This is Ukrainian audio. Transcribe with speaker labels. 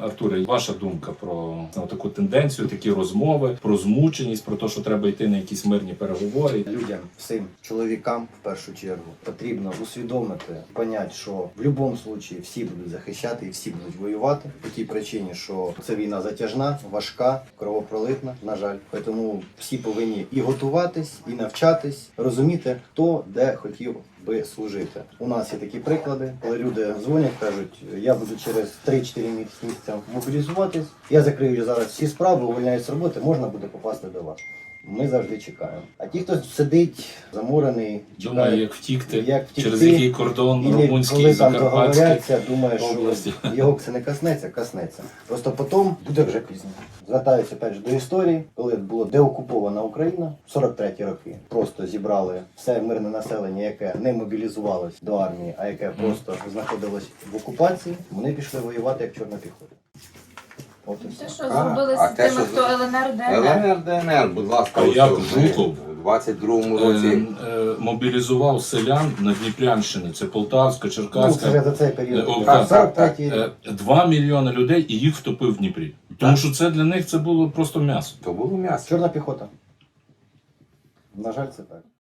Speaker 1: Артуре, ваша думка про таку тенденцію, такі розмови, про змученість, про те, що треба йти на якісь мирні переговори?
Speaker 2: Людям, всім чоловікам в першу чергу потрібно усвідомити, поняти, що в будь-якому випадку всі будуть захищати і всі будуть воювати. По тій причині, що ця війна затяжна, важка, кровопролитна, на жаль. Тому всі повинні і готуватись, і навчатись, розуміти, хто де хотів би служити. У нас є такі приклади, коли люди дзвонять, кажуть, я буду через 3-4 місяця мобілізуватись, я закрию зараз всі справи, увольняюсь з роботи, можна буде попасти до вас. Ми завжди чекаємо. А ті, хто сидить, замурений,
Speaker 1: Думаю, як втікти, через який кордон румунський,
Speaker 2: коли там
Speaker 1: закарпатський
Speaker 2: договоряться, думає,
Speaker 1: області.
Speaker 2: що його це не коснеться. Просто потім буде вже пізно. Звертаюся опять же до історії, коли була деокупована Україна, 43-ті роки. Просто зібрали все мирне населення, яке не мобілізувалось до армії, а яке просто знаходилось в окупації, вони пішли воювати як чорна піхота. От і
Speaker 3: Те,
Speaker 2: все.
Speaker 3: що зробили з тими, хто ЛНР, ДНР.
Speaker 4: ЛНР, ДНР, будь ласка,
Speaker 1: А
Speaker 4: ось
Speaker 1: як
Speaker 4: ми
Speaker 1: Жуков?
Speaker 4: у 22-му році.
Speaker 1: Мобілізував селян на Дніпрянщині, це Полтавська,
Speaker 2: Ну, це
Speaker 1: Черкаська,
Speaker 2: вже за цей період.
Speaker 1: так,
Speaker 2: 43-й рік.
Speaker 1: 2 мільйони людей і їх втопив в Дніпрі. Тому що це для них це було просто м'ясо.
Speaker 4: То було м'ясо.
Speaker 2: Чорна піхота. На жаль, це так.